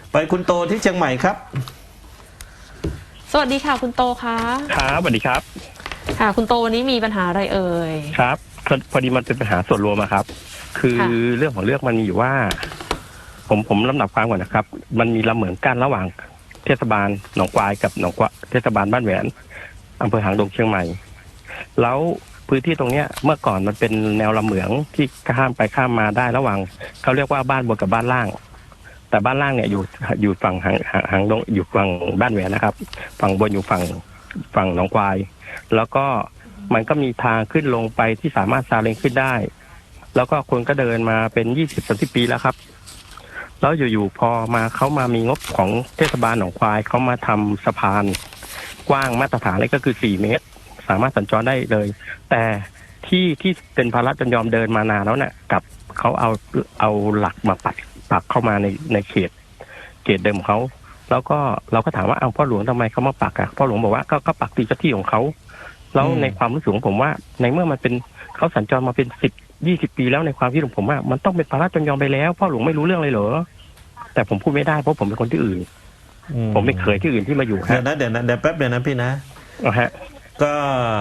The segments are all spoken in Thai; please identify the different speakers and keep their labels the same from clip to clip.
Speaker 1: ไปคุณโตที่เชียงใหม่ครับ
Speaker 2: สวัสดีค่ะคุณโตคะ
Speaker 3: ครับสวัสดีครับ
Speaker 2: ค่ะคุณโตวันนี้มีปัญหาอะไรเอ่ย
Speaker 3: ครับพอดีมันเป็นปัญหาส่วนรวมครับคือเรื่องของเรื่องมันมีอยู่ว่าผมลำดับความก่อนนะครับมันมีลำเหมืองกั้นระหว่างเทศบาลหนองกวายกับเทศบาลบ้านแหวนอำเภอหางดงเชียงใหม่แล้วพื้นที่ตรงเนี้ยเมื่อก่อนมันเป็นแนวลำเหมืองที่ข้ามไปข้ามมาได้ระหว่างเขาเรียกว่าบ้านบนกับบ้านล่างแต่บ้านล่างเนี่ยอยู่ฝั่งหางดงอยู่ฝั่งบ้านแหวนนะครับฝั่งบนอยู่ฝั่งหนองกวายแล้วก็มันก็มีทางขึ้นลงไปที่สามารถซาเล้งขึ้นได้แล้วก็คนก็เดินมาเป็น20-30 ปีแล้วครับแล้วอยู่ๆพอมาเขามามีงบของเทศบาลหนองควายเขามาทำสะพานกว้างมาตรฐานเลยก็คือ4 เมตรสามารถสัญจรได้เลยแต่ที่เป็นภาระจำยอมเดินมานานแล้วเนี่ยกับเขาเอาหลักมาปักเข้ามาในเขตเดิมของเขาแล้วก็เราก็ถามว่าพ่อหลวงทำไมเขามาปักพ่อหลวงบอกว่าก็ปักที่เจ้าที่ของเขาแล้วในความรู้สึกของผมว่าในเมื่อมันเป็นเขาสัญจรมาเป็น10-20 ปีแล้วในความคิดของผมว่ามันต้องเป็นภาระจำยอมไปแล้วพ่อหลวงไม่รู้เรื่องเลยเหรอแต่ผมพูดไม่ได้เพราะผมเป็นคนที่อื่นผมไม่เคยที่อื่นที่มาอยู่
Speaker 1: เดี๋ยวแป๊บเดียวนะพี่นะก็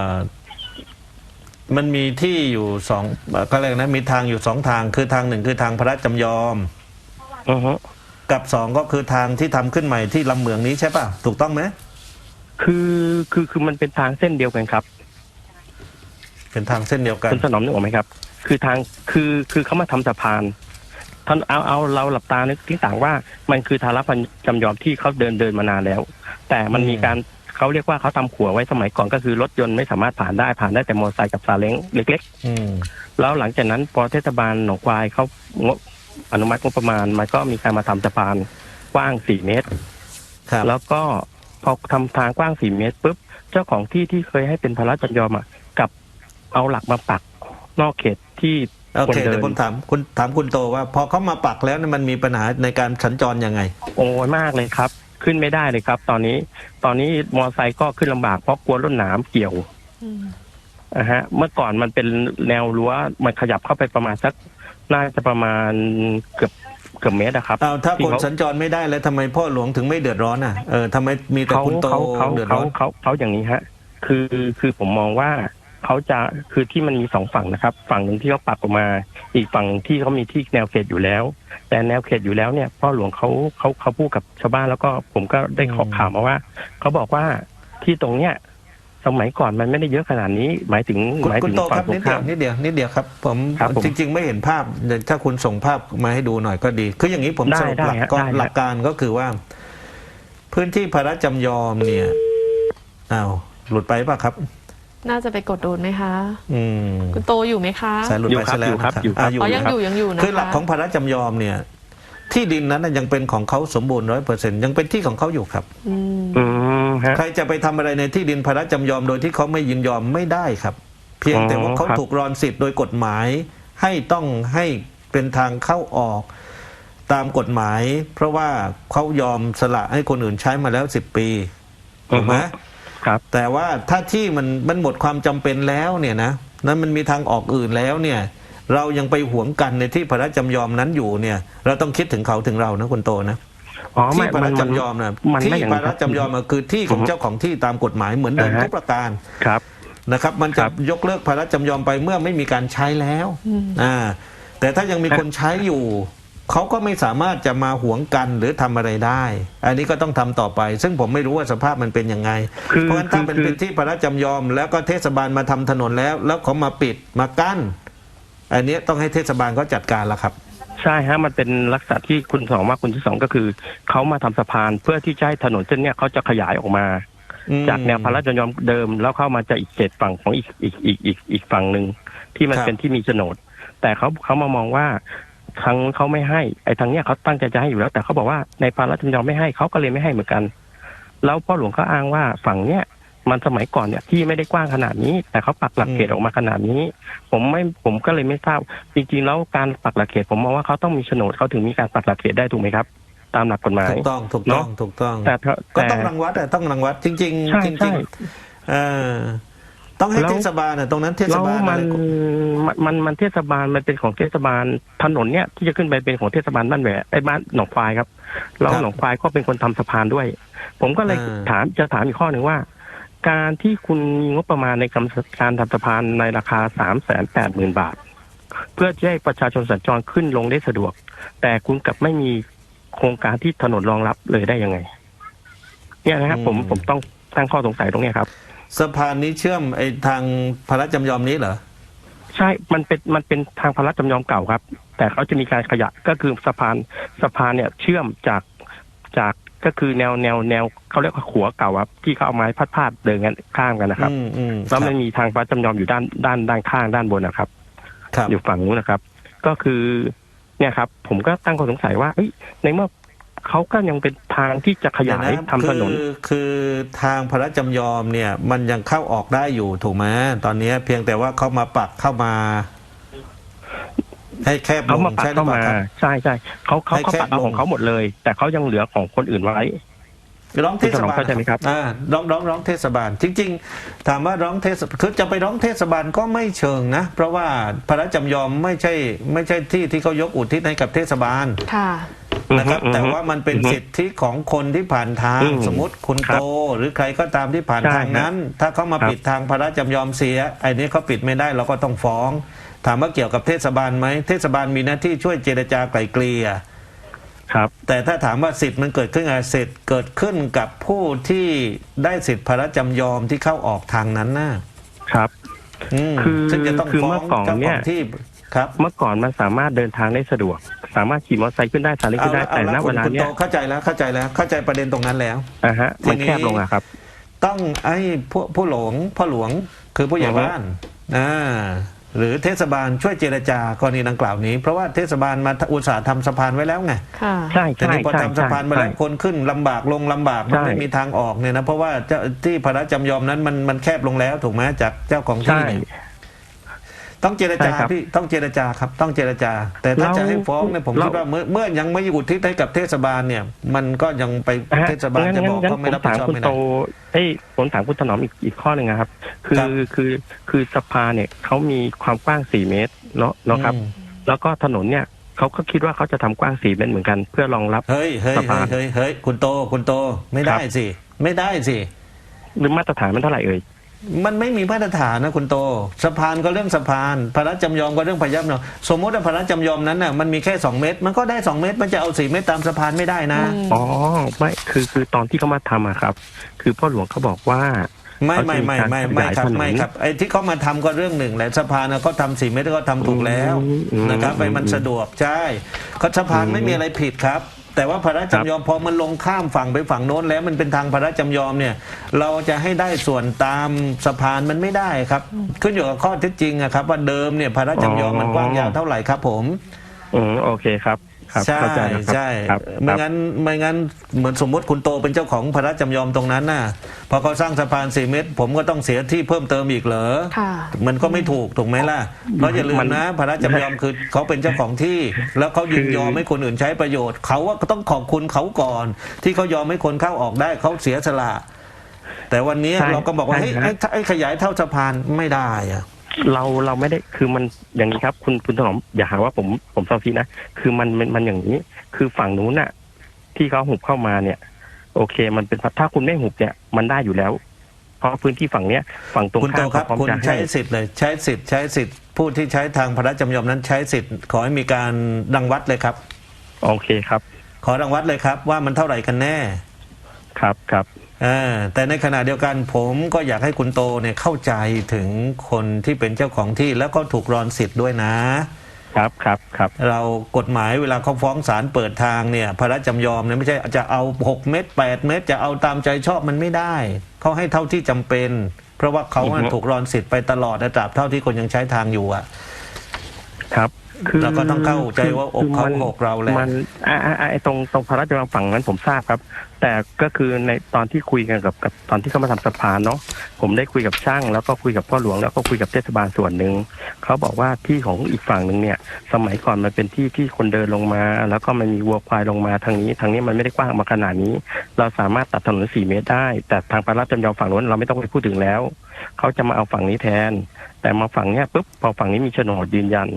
Speaker 1: มันมีที่อยู่2ก็เรียกนะมีทางอยู่2 ทางคือทาง1คือทางพระราชจำยอมกับ2ก็คือทางที่ทำขึ้นใหม่ที่ลำเหมืองนี้ใช่ป่ะถูกต้องไหม
Speaker 3: คือมันเป็นทางเส้นเดียวกันครับ
Speaker 1: เป็นทางเส้นเดียวกัน
Speaker 3: คุณถนอมนึกออกไหมครับคือทางคือเขามาทำสะพานท่านเอาเราหลับตานึกที่ต่างว่ามันคือทาระจำยอมที่เขาเดินมานานแล้วแต่มันมีการเขาเรียกว่าเขาทำขัวไว้สมัยก่อนก็คือรถยนต์ไม่สามารถผ่านได้แต่มอเตอร์ไซค์กับซาเล้งเล็กๆแล้วหลังจากนั้นพอเทศบาลหนองควายเขาอนุมัติงบประมาณมันก็มีการมาทำสะพานกว้าง4 เมตรแล้วก็พอทำทางกว้าง4 เมตรปุ๊บเจ้าของที่เคยให้เป็นภาระจำยอมกับเอาหลักมาปักนอกเขตที่
Speaker 1: โอเคเดี๋ยวผมถามคุณโตว่าพอเขามาปักแล้วมันมีปัญหาในการสัญจรยังไง
Speaker 3: โอ้ยมากเลยครับขึ้นไม่ได้เลยครับตอนนี้มอเตอร์ไซค์ก็ขึ้นลำบากเพราะกลัวรถหนามเกี่ยวเมื่อก่อนมันเป็นแนวรั้วมันขยับเข้าไปประมาณสักน่าจะประมาณเกือบเมตรครับ
Speaker 1: ถ้าคนสัญจรไม่ได้แล้วทำไมพ่อหลวงถึงไม่เดือดร้อนทำไมมีแต่คุณโตเดือดร้อน
Speaker 3: เขาอย่างนี้คือผมมองว่าเขาจะคือที่มันมี2 ฝั่งนะครับฝั่งหนึ่งที่เขาปักออกมาอีกฝั่งที่เขามีที่แนวเขตอยู่แล้วแต่แนวเขตอยู่แล้วเนี่ยพ่อหลวงเขาพูดกับชาวบ้านแล้วก็ผมก็ได้ขอข่าวมาว่าเขาบอกว่าที่ตรงเนี้ยสมัยก่อนมันไม่ได้เยอะขนาดนี้หมายถึง
Speaker 1: ฝั่งตรงข้ามนิดเดียวครับผมจริงๆไม่เห็นภาพถ้าคุณส่งภาพมาให้ดูหน่อยก็ดีคืออย่างนี้ผมสรุปหลักการก็คือว่าพื้นที่พระราชจำยอมเนี่ยหลุดไปป่ะครับ
Speaker 2: น่าจะไปกดโดนไหมคะคุณโตอยู่ไหมคะ
Speaker 1: สายหลุดไปซะแล้วครับ
Speaker 2: ยังอยู่นะคะ
Speaker 1: คือหลักของพระราชจำยอมเนี่ยที่ดินนั้นยังเป็นของเขาสมบูรณ์100%ยังเป็นที่ของเขาอยู่ครับใครจะไปทำอะไรในที่ดินพระราชจำยอมโดยที่เขาไม่ยินยอมไม่ได้ครับเพียงแต่ว่าเขาถูกรอนสิทธิ์โดยกฎหมายต้องให้เป็นทางเข้าออกตามกฎหมายเพราะว่าเขายอมสละให้คนอื่นใช้มาแล้ว10 ปีถูกไหมแต่ว่าถ้าที่มันหมดความจำเป็นแล้วเนี่ยนะนั้นมันมีทางออกอื่นแล้วเนี่ยเรายังไปหวงกันในที่พระราชจำยอมนั้นอยู่เนี่ยเราต้องคิดถึงเขาถึงเรานะคุณโตนะที่พระราชจำยอมนะที่พระราชจำยอมคือที่ของเจ้าของที่ตามกฎหมายเหมือนเดิมทุกประการนะครับมันจะยกเลิกพระราชจำยอมไปเมื่อไม่มีการใช้แล้วแต่ถ้ายังมีคนใช้อยู่เขาก็ไม่สามารถจะมาหวงกันหรือทำอะไรได้อันนี้ก็ต้องทำต่อไปซึ่งผมไม่รู้ว่าสภาพมันเป็นยังไงเพราะฉะนั้นถ้าเป็นที่พระราชจำยอมแล้วก็เทศบาลมาทำถนนแล้วเขามาปิดมากั้นอันนี้ต้องให้เทศบาลเขาจัดการแล้วครับ
Speaker 3: ใช่มันเป็นลักษณะที่คุณสองว่าคุณที่2ก็คือเขามาทำสะพานเพื่อที่จะให้ถนนเส้นนี้เขาจะขยายออกมาจากแนวพระราชจำยอมเดิมแล้วเข้ามาจะอีกเขตฝั่งของอีกฝั่งหนึ่งที่มันเป็นที่มีโฉนดแต่เขามามองว่าทางเขาไม่ให้ทางเนี้ยเขาตั้งใจจะให้อยู่แล้วแต่เขาบอกว่าในพระราชจำยอมไม่ให้เขาก็เลยไม่ให้เหมือนกันแล้วพ่อหลวงก็อ้างว่าฝั่งเนี้ยมันสมัยก่อนเนี่ยที่ไม่ได้กว้างขนาดนี้แต่เขาปักหลักเขตออกมาขนาดนี้ผมก็เลยไม่ทราบจริงๆแล้วการปักหลักเขตผมมองว่าเขาต้องมีโฉนดเขาถึงมีการปักหลักเขตได้ถูกไหมครับตามหลักกฎหมาย
Speaker 1: ถูกต้องแต่ก็ต้องรังวัดจริงต้องให้เทศบาลตรงนั้นเทศบาล
Speaker 3: มันเทศบาลมันเป็นของเทศบาลถนนเนี้ยที่จะขึ้นไปเป็นของเทศบาลบ้านแหวบ้านหนองควายครับแล้ว
Speaker 1: ครับ
Speaker 3: หนองควายก็เป็นคนทำสะพานด้วย ผมก็เลย
Speaker 1: อ่า
Speaker 3: จะถามอีกข้อหนึ่งว่า การที่คุณมีงบประมาณในการทำสะพานในราคา380,000 บาท เพื่อจะให้ประชาชนสัญจรขึ้นลงได้สะดวก แต่คุณกลับไม่มีโครงการที่ถนนรองรับเลยได้ยังไง เนี่ยนะครับผมต้องตั้งข้อสงสัยตรงเนี้ยครับ
Speaker 1: สะพานนี้เชื่อมไอ้ทางพระราชจำยอมนี้เหรอ
Speaker 3: ใช่ มันเป็นทางพระราชจำยอมเก่าครับ แต่เขาจะมีการขยายก็คือสะพานเนี่ยเชื่อมจากก็คือแนวเขาเรียกว่าขัวเก่าครับที่เขาเอาไม้พาดเดินกันข้ามกันนะครับ แล้วมันมีทางพระราชจำยอมอยู่ด้านข้างด้านบนนะครับ
Speaker 1: ครับ
Speaker 3: อยู่ฝั่งนู้นนะครับ ก็คือเนี่ยครับ ผมก็ตั้งข้อสงสัยว่าในเมื่อเขาก็ยังเป็นทางที่จะขยายทำถนน
Speaker 1: คือทางพระราชจำยอมเนี่ยมันยังเข้าออกได้อยู่ถูกไหมตอนนี้เพียงแต่ว่าเขามาปักเข้ามา ให้แคบล
Speaker 3: เขา
Speaker 1: ง
Speaker 3: มาปัก
Speaker 1: ใช่หรือ
Speaker 3: เข้า
Speaker 1: เปล่า
Speaker 3: มา
Speaker 1: ครับ
Speaker 3: ใช่เขา
Speaker 1: ให้แคบ
Speaker 3: ปักเอา
Speaker 1: ลง
Speaker 3: ของเขาหมดเลย แต่เขายังเหลือของคนอื่นไว้
Speaker 1: ร้องเทศบาล
Speaker 3: เข้าใจไหมครับ
Speaker 1: ร้องเทศบาล จริง ๆ ถามว่าร้องคือจะไปร้องเทศบาลก็ไม่เชิงนะ เพราะว่าพระราชจำยอมไม่ใช่ที่ที่เขายกอุทิศให้กับเทศบาล
Speaker 2: ค่ะ
Speaker 1: นะครับแต่ว่ามันเป็นสิทธิของคนที่ผ่านทางสมมติคุณโตหรือใครก็ตามที่ผ่านทางนั้น ถ้าเขามาปิดทางพระราชจำยอมเสียไอ้นี้เขาปิดไม่ได้เราก็ต้องฟ้อง ถามว่าเกี่ยวกับเทศบาลไหมเทศบาลมีหน้าที่ช่วยเจรจาไกล่เกลี่ย
Speaker 3: ครับ
Speaker 1: แต่ถ้าถามว่าสิทธิ์มันเกิดขึ้นอะไรสิทธิ์เกิดขึ้นกับผู้ที่ได้สิทธิพระราชจำยอมที่เข้าออกทางนั้นนะครับ ซึ่งจะต้อง
Speaker 3: คือ
Speaker 1: ฟ้อ
Speaker 3: เมื่
Speaker 1: ง
Speaker 3: อก่อน
Speaker 1: เจ้าข
Speaker 3: เนี่
Speaker 1: อย งที่ครับ
Speaker 3: เมื่อก่อนมันสามารถเดินทางได้สะดวก สามารถขี่มอเตอร์ไซค์ขึ้นได้สาเล้งขึ้นได้แต่ณ
Speaker 1: เอา
Speaker 3: เว
Speaker 1: ละ
Speaker 3: ลา
Speaker 1: คุณ
Speaker 3: เนี้
Speaker 1: โต
Speaker 3: ย
Speaker 1: เข้าใจประเด็นตรงนั้นแล้ว
Speaker 3: มันแคบลงอะครับ
Speaker 1: ต้องไอ้ผู้หลวงพ่อหลวงคือผู้ใหญ่บ้านหรือเทศบาลช่วยเจรจากรณีดังกล่าวนี้ เพราะว่าเทศบาลมาอุตสาห์ทำสะพานไว้แล้วไง
Speaker 2: ค่ะ
Speaker 3: ใช่
Speaker 1: แต่นี่พอทำสะพานมาแล้วคนขึ้นลำบากลงลำบากมันไม่มีทางออกเนี่ยนะเพราะว่าที่พระราชจำยอมนั้นมันแคบลงแล้วถูกไหมจากเจ้าของที่เนี่ยต้องเจรจาพี่ต้องเจรจาครับต้องเจรจา แต่ถ้าจะให้ฟ้องเนี่ยผมคิดว่าเมื่อยังไม่อุทิศให้กับเทศบาลเนี่ย มันก็ยังไปเทศบาลจะบอกก็ไม่รับผิดชอบไม่ได้
Speaker 3: ผมถามคุณถนอมอีกข้อหนึ่งนะครับ คือสะพานเนี่ยเขามีความกว้าง4 เมตรเนาะครับ แล้วก็ถนนเนี่ยเขาก็คิดว่าเขาจะทำกว้าง4 เมตรเหมือนกันเพื่อรองรับ
Speaker 1: เฮ้ยคุณโตไม่ได้สิไม่ได้สิ
Speaker 3: หรือมาตรฐานมันเท่าไหร่เอ่ย
Speaker 1: มันไม่มีมาตรฐานนะคุณโตสะพานก็เรื่องสะพานพระราชจำยอมก็เรื่องพระยับเนาะสมมติว่าพระราชจำยอมนั้นน่ะมันมีแค่2 เมตรมันก็ได้2 เมตรมันจะเอา4 เมตรตามสะพานไม่ได้นะ
Speaker 3: อ๋อไม่คือตอนที่เขามาทำอะครับ คือพ่อหลวงเขาบอกว่า
Speaker 1: ไม่ครับไอ้ที่เขามาทำก็เรื่องหนึ่งแหละสะพานเขาทำ4 เมตรก็ทำถูกแล้วนะครับไปมันสะดวกใช่เขาสะพานไม่มีอะไรผิดครับแต่ว่าพระราชจำยอมพอมันลงข้ามฝั่งไปฝั่งโน้นแล้วมันเป็นทางพระราชจำยอมเนี่ยเราจะให้ได้ส่วนตามสะพานมันไม่ได้ครับขึ้นอยู่กับข้อเท็จจริงอะครับว่าเดิมเนี่ยพระราชจำยอมมันกว้างยาวเท่าไหร่ครับผม
Speaker 3: โอเคครับ
Speaker 1: ใช่ใช่ไม่งั้นเหมือนสมมติคุณโตเป็นเจ้าของพระราชจำยอมตรงนั้นน่ะพอเขาสร้างสะพาน4 เมตรผมก็ต้องเสียที่เพิ่มเติมอีกเหรอมันก็ไม่ถูกไหมล่ะเพราะอย่าลืมนะพระราชจำยอมคือเขาเป็นเจ้าของที่แล้วเขายินยอมให้คนอื่นใช้ประโยชน์เขาว่าก็ต้องขอบคุณเขาก่อนที่เขายอมให้คนเข้าออกได้เขาเสียสละแต่วันนี้เราก็บอกว่าไอ้ขยายเท่าสะพานไม่ได้อะ
Speaker 3: เราไม่ได้คือมันอย่างนี้ครับคุณถนอมอย่าหาว่าผมเซาซีนะคือมันอย่างนี้คือฝั่งนู้นน่ะที่เขาหุบเข้ามาเนี่ยโอเคมันเป็นถ้าคุณไม่หุบเนี่ยมันได้อยู่แล้วเพราะพื้นที่ฝั่งเนี้ยฝั่งตรงข้าม
Speaker 1: ครับคุณใช้สิทธิ์เลยใช้สิทธิ์ผู้ที่ใช้ทางพระราชจำยอมนั้นใช้สิทธิ์ขอให้มีการรังวัดเลยครับ
Speaker 3: โอเคครับ
Speaker 1: ขอรังวัดเลยครับว่ามันเท่าไหร่กันแน่
Speaker 3: ครับ
Speaker 1: แต่ในขณะเดียวกันผมก็อยากให้คุณโตเนี่ยเข้าใจถึงคนที่เป็นเจ้าของที่แล้วก็ถูกรอนสิทธิ์ด้วยนะครับเรากฎหมายเวลาเขาฟ้องศาลเปิดทางเนี่ยพระราชจำยอมเนี่ยไม่ใช่จะเอา6 เมตร8 เมตรจะเอาตามใจชอบมันไม่ได้เขาให้เท่าที่จำเป็นเพราะว่าเขาถูกรอนสิทธิ์ไปตลอดตราบเท่าที่คนยังใช้ทางอยู่อ่ะ
Speaker 3: ครับ
Speaker 1: เราก็ต้องเข้าใจว่าอกเขาอกเราแหละ
Speaker 3: มันตรงพระราชวังฝั่งนั้นผมทราบครับแต่ก็คือในตอนที่คุยกันกับตอนที่เขามาทำสะพานเนาะผมได้คุยกับช่างแล้วก็คุยกับพ่อหลวงแล้วก็คุยกับเทศบาลส่วนหนึ่งเขาบอกว่าที่ของอีกฝั่งหนึ่งเนี่ยสมัยก่อนมันเป็นที่คนเดินลงมาแล้วก็มันมีวัวควายลงมาทางนี้มันไม่ได้กว้างมาขนาดนี้เราสามารถตัดถนน4 เมตรได้แต่ทางพระราชจำยอมฝั่งนู้นเราไม่ต้องไปพูดถึงแล้วเขาจะมาเอาฝั่งนี้แทนแต่มาฝั่งเนี้ยปุ๊บพอฝั่งนี้มีโฉนดยืนยัน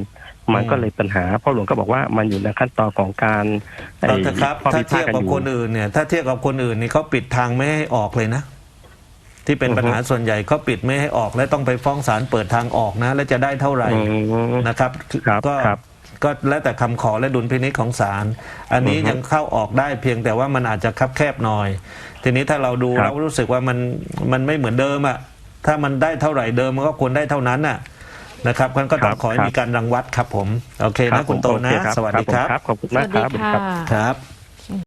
Speaker 3: มันก็เลยปัญหาพ่อหลวงก็บอกว่ามันอยู่ในขั้นตอนของการไอ้
Speaker 1: เอาเถอะครับ
Speaker 3: ข้อ
Speaker 1: ถ้า
Speaker 3: พิพา
Speaker 1: เที
Speaker 3: ท
Speaker 1: ยบ
Speaker 3: กัน
Speaker 1: กับ
Speaker 3: อยู่
Speaker 1: คนอื่นเนี่ยถ้าเทียบกับคนอื่นนี่เขาปิดทางไม่ให้ออกเลยนะที่เป็นปัญหาส่วนใหญ่เขาปิดไม่ให้ออกและต้องไปฟ้องศาลเปิดทางออกนะและจะได้เท่าไหร่ นะครับ
Speaker 3: ครับ
Speaker 1: ก็
Speaker 3: ครับ
Speaker 1: ก็แล้วแต่คำขอและดุลพินิจของศาลอันนี้ยังเข้าออกได้เพียงแต่ว่ามันอาจจะคับแคบหน่อย ทีนี้ถ้าเราดู
Speaker 3: ครับ
Speaker 1: เรารู้สึกว่ามันไม่เหมือนเดิมอ่ะถ้ามันได้เท่าไหร่เดิมมันก็ควรได้เท่านั้นน่ะนะครับมันก็ต้องขอให้มีการรังวัดครับผมโอเคนะคุณโตนะ
Speaker 3: โอเครับ
Speaker 1: สวัสดีครับ
Speaker 3: ขอบคุณ
Speaker 2: ส
Speaker 3: มา
Speaker 2: วั
Speaker 3: ก
Speaker 2: ส
Speaker 3: ค
Speaker 2: ดี
Speaker 3: รับ
Speaker 2: ค่ะ
Speaker 1: ครับ